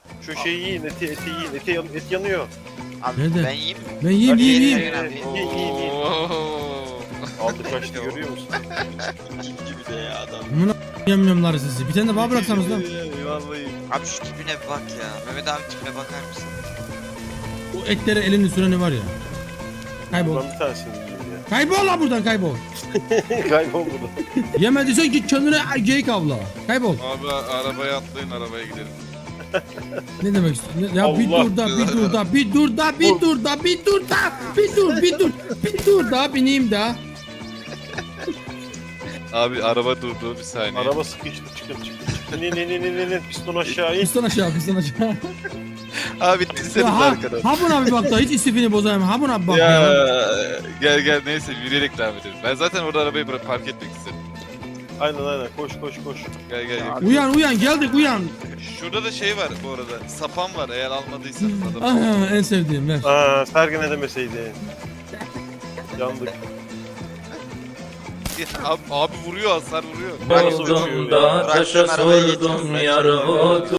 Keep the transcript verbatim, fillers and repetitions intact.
Şu şeyi yiyin, eti, eti yiyin, eti, yan- et yanıyor. Abi Nerede? ben yiyeyim mi? Ben yiyeyim yiyeyim Yiyin, yiyeyim. yiyin, yiyin. Yiyin, yiyin, yiyin. Oo. Aldı kaçtı görüyor musun? Yiyeyim gibi de ya adam. Amına yemyemler sizi. Bir tane de bana bıraksanız lan. Vallahi. Abi şu tipine bir bak ya. Mehmet abi tipine bakar mısın? O etlere elini süreni var ya. Kaybol. Ben bir tanesini yiyeyim ya. Kaybol lan buradan kaybol. Kaybol burada. Yemediysen git kendine geyik avla. Kaybol. Abi arabaya atlayın, arabaya gidelim. Ne demek istiyorsun? Ya bir Allah dur da bir dur da bir dur da bir dur da bir dur da bir dur bir dur bir dur da bineyim da. Abi araba durdu bir saniye. Araba sıkıştı, çıkın çıkın çıkın. Ne ne ne ne ne ne piston aşağı in. Piston aşağı piston aşağı. Abi dinleseniz Ya ha, arkadan. ha buna bir bak da hiç istifini bozayım. Ha buna bir bak Ya ya. gel gel neyse yürüyerek devam edelim. Ben zaten orada arabayı bırak park etmek istedim. Aynen aynen koş koş koş. Gel gel. gel. Uyan uyan geldik uyan. Şurada da şey var bu arada. Sapan var eğer almadıysanız adam. Aha, en sevdiğim ver. Aa Sergen ne demeseydin. Yandık. abi, abi vuruyor hasar vuruyor. Nasıl uçuyor ya? Yolunda taşa sordum yar otu.